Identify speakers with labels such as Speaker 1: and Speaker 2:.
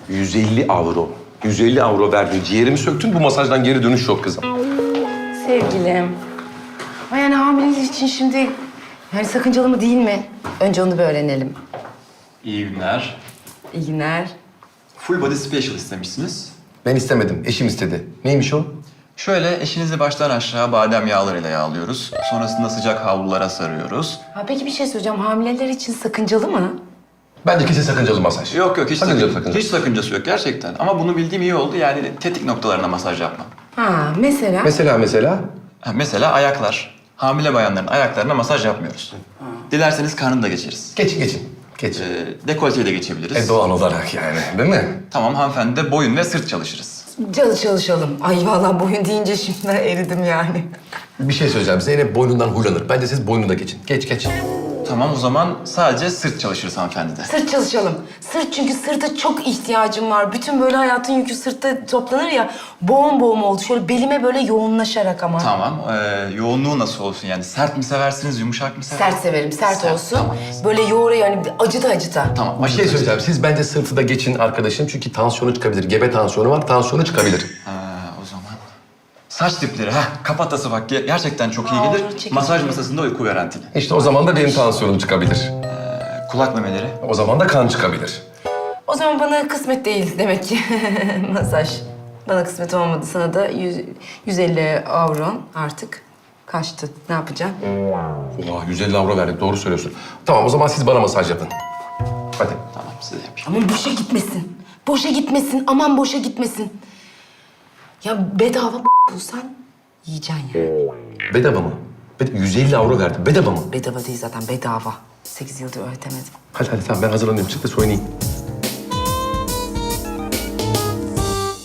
Speaker 1: 150 avro. 150 avro verdin. Ciğerimi söktün. Bu masajdan geri dönüş yok kızım.
Speaker 2: Sevgilim. Ama yani hamilelik için şimdi yani sakıncalı mı değil mi? Önce onu bir öğrenelim.
Speaker 3: İyi günler.
Speaker 2: İyi günler.
Speaker 3: Full body special istemişsiniz.
Speaker 1: Ben istemedim. Eşim istedi. Neymiş o?
Speaker 3: Şöyle eşinizi baştan aşağı badem yağlarıyla yağlıyoruz. Sonrasında sıcak havlulara sarıyoruz.
Speaker 2: Ha, peki bir şey söyleyeceğim. Hamileler için sakıncalı mı?
Speaker 1: Bence kesin sakıncalı masaj.
Speaker 3: Yok hiç
Speaker 1: Sakıncalı.
Speaker 3: hiç sakıncası yok gerçekten. Ama bunu bildiğim iyi oldu yani tetik noktalarına masaj yapmam.
Speaker 2: Ha, mesela?
Speaker 1: Mesela?
Speaker 3: Mesela ayaklar. Hamile bayanların ayaklarına masaj yapmıyoruz. Dilerseniz karnını da geçeriz.
Speaker 1: Geçin.
Speaker 3: Dekolteyi de geçebiliriz.
Speaker 1: Doğal olarak yani, değil mi?
Speaker 3: Tamam hanımefendi de boyun ve sırt çalışırız.
Speaker 2: Çalışalım. Ay vallahi boyun deyince şimdiden eridim yani.
Speaker 1: Bir şey söyleyeceğim. Zeynep boynundan huylanır. Bence siz boynunu da geçin. Geç.
Speaker 3: Tamam o zaman sadece sırt çalışırız hanımefendi de.
Speaker 2: Sırt çalışalım. Sırt çünkü sırta çok ihtiyacım var. Bütün böyle hayatın yükü sırtta toplanır ya. Boğum oldu. Şöyle belime böyle yoğunlaşarak ama.
Speaker 3: Tamam. Yoğunluğu nasıl olsun yani? Sert mi seversiniz, yumuşak mı seversiniz?
Speaker 2: Sert severim, sert olsun.
Speaker 3: Tamam.
Speaker 2: Böyle yoğuruyor yani acıta.
Speaker 3: Tamam.
Speaker 1: Bir şey söyleyeceğim. Siz bence sırtı da geçin arkadaşım. Çünkü tansiyonu çıkabilir. Gebe tansiyonu var. Tansiyonu çıkabilir.
Speaker 3: O zaman. Saç dipleri, kafatası bak gerçekten çok iyi
Speaker 2: Aa,
Speaker 3: gelir.
Speaker 2: çekici.
Speaker 3: Masaj masasında uyku garantili.
Speaker 1: İşte o zaman da benim tansiyonum çıkabilir.
Speaker 3: Kulak memeleri.
Speaker 1: O zaman da kan çıkabilir.
Speaker 2: O zaman bana kısmet değil demek ki masaj. Bana kısmet olmadı. Sana da 150 avron artık kaçtı. Ne yapacaksın?
Speaker 1: 150 avro verdik. Doğru söylüyorsun. Tamam o zaman siz bana masaj yapın. Hadi.
Speaker 3: Tamam size yapayım.
Speaker 2: Aman boşa gitmesin. Boşa gitmesin. Aman boşa gitmesin. Ya bedava bulsan yiyeceksin yani.
Speaker 1: Bedava mı? 150 avro verdim. Bedava mı?
Speaker 2: Bedava değil zaten bedava. 8 yıldır öğretemedim.
Speaker 1: Hadi tamam ben hazırlanıyorum. Çık da soyunayım.